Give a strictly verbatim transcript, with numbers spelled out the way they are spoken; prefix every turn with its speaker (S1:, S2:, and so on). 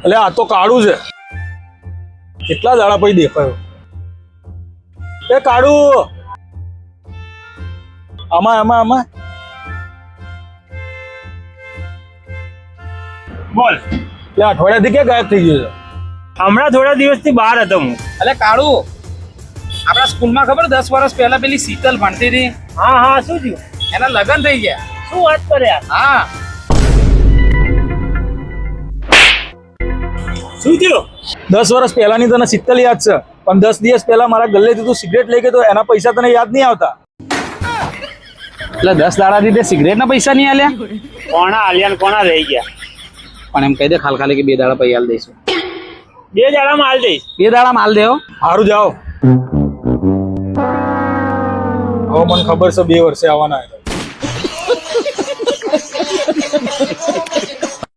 S1: એટલે આ તો કાળું છે. કેટલા દાડા પછી દેખાયો. એ કાળું, આમાં આમાં આમાં
S2: બોલ.
S1: એટલે અઠવાડિયાથી ક્યાં ગાયબ થઈ ગયો છે?
S2: હમણાં થોડા દિવસથી બહાર હતો હું.
S3: અલે કાળુ, આપણા સ્કૂલમાં ખબર દસ વર્ષ પહેલા પેલી શીતલ ભણતી હતી,
S2: હા હા, શું થયું?
S3: એના લગ્ન થઈ ગયા.
S2: શું વાત કરે યાર?
S3: હા.
S2: શું થયું?
S1: દસ વર્ષ પહેલાની તને શીતલ યાદ છે, પણ દસ દિવસ પહેલા મારા ગલ્લેથી તું સિગરેટ લઈ ગયો તો એના પૈસા તને યાદ નહીં આવતા?
S3: એટલે દસ દાડાથી તે સિગરેટના પૈસા નહીં આલ્યા?
S2: કોણા આલિયા ને કોણા રહી ગયા?
S3: પણ એમ કહી દે ખાલી ખાલી કે બે દાડા પૈસા આલ દઈશું.
S2: બે દાડામાં હાલ દઈશ.
S3: બે દાડા માલ દેવો.
S1: સારું જાઓ. હવે મને ખબર છે બે વર્ષે આવવાના હતા.